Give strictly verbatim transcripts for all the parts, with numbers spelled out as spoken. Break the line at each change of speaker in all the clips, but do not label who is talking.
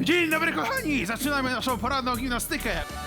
Dzień dobry, kochani! Zaczynamy naszą poranną gimnastykę.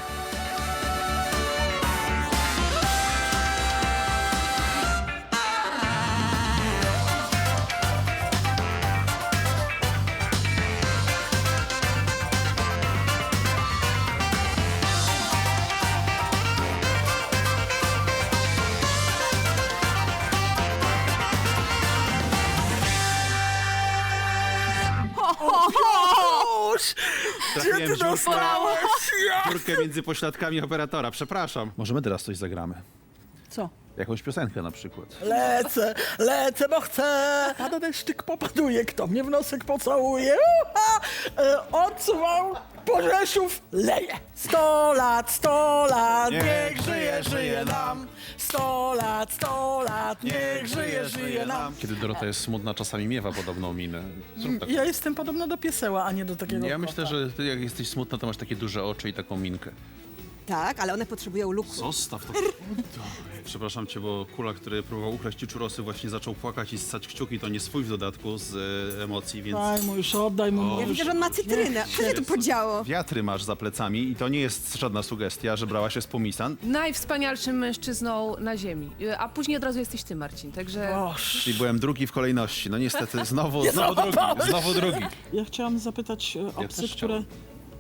Gdzie ty dostałeś?
Dziurkę między pośladkami operatora. Przepraszam. Możemy teraz coś zagramy.
Co?
Jakąś piosenkę na przykład.
Lecę, lecę, bo chcę. Pada deszczyk, popaduje, kto mnie w nosek pocałuje. Uha! E, odsuwał, po Rzeszów leje. Sto lat, sto lat, niech żyje, żyje nam. Sto lat, sto lat, niech żyje, żyje nam.
Kiedy Dorota jest smutna, czasami miewa podobną minę. Zrób tak.
Ja jestem podobna do pieseła, a nie do takiego
Ja
kota.
myślę, że ty jak jesteś smutna, to masz takie duże oczy i taką minkę.
Tak, ale one potrzebują luku.
Zostaw to. Przepraszam cię, bo Kula, który próbował ukraść ci czurosy, właśnie zaczął płakać i ssać kciuki. To nie swój w dodatku z e, emocji, więc...
Daj mu już, oddaj mu.
Ja widzę, że on ma cytrynę. Co się tu podziało?
Wiatry masz za plecami i to nie jest żadna sugestia, że brałaś się z pomisan.
Najwspanialszym mężczyzną na ziemi. A później od razu jesteś ty, Marcin, także...
Boż.
Czyli byłem drugi w kolejności. No niestety, znowu, znowu drugi, znowu drugi.
Ja chciałam zapytać e, o psy,
też
które...
chciałem.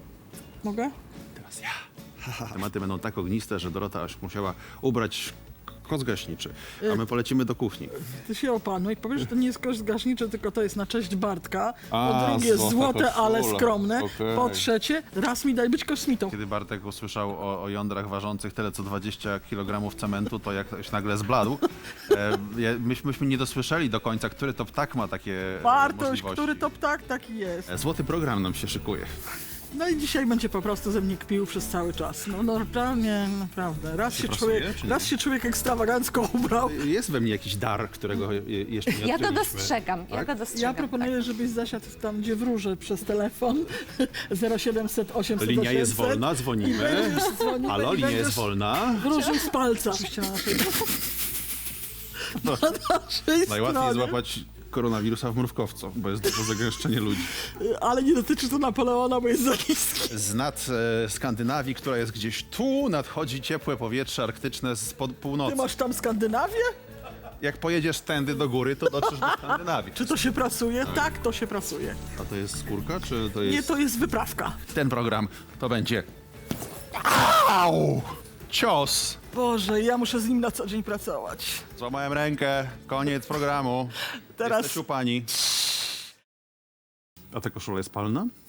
Mogę?
Teraz ja. Tematy będą tak ogniste, że Dorota aż musiała ubrać koc gaśniczy, a my polecimy do kuchni.
Ty się opanuj, powiesz, że to nie jest koszt gaśniczy, tylko to jest na cześć Bartka.
A,
Po drugie,
złota
złote, ale
koszula.
skromne.
Okej.
Po trzecie, raz mi daj być kosmitą.
Kiedy Bartek usłyszał o, o jądrach ważących tyle co dwadzieścia kilogramów cementu, to jakoś nagle zbladł. E, je- myśmy, myśmy nie dosłyszeli do końca, który to ptak ma takie e,
Bartoś,
możliwości.
który to ptak, taki jest.
E, Złoty program nam się szykuje.
No i dzisiaj będzie po prostu ze mnie kpił przez cały czas. No normalnie, naprawdę. Raz się,
prasuje,
człowiek,
czy nie?
raz się człowiek ekstrawagancko ubrał.
Jest we mnie jakiś dar, którego je- jeszcze nie
Ja to
odkryliśmy.
dostrzegam, ja
Tak?
to
Ja
dostrzegam.
proponuję, żebyś zasiadł tam, gdzie wróżę przez telefon zero siedemset osiemset
Linia jest
osiemset.
wolna,
I
dzwonimy.
będziesz dzwonił,
Halo,
i
linia
będziesz
jest wolna.
Wróżył z palca. Na naszej, na naszej
Najłatwiej
stronie.
złapać koronawirusa w mrówkowcu, bo jest duże zagęszczenie ludzi.
Ale nie dotyczy to Napoleona, bo jest za niski.
Z nad e, Skandynawii, która jest gdzieś tu, nadchodzi ciepłe powietrze arktyczne z pod północy.
Ty masz tam Skandynawię?
Jak pojedziesz tędy do góry, to dotrzesz do Skandynawii.
Czy to się prasuje? Tak, to się prasuje.
A to jest skórka, czy to jest...
Nie, to jest wyprawka.
Ten program to będzie... Au! Cios!
Boże, ja muszę z nim na co dzień pracować.
Złamałem rękę, koniec programu.
Teraz-
Jesteś u pani. A ta koszula jest palna?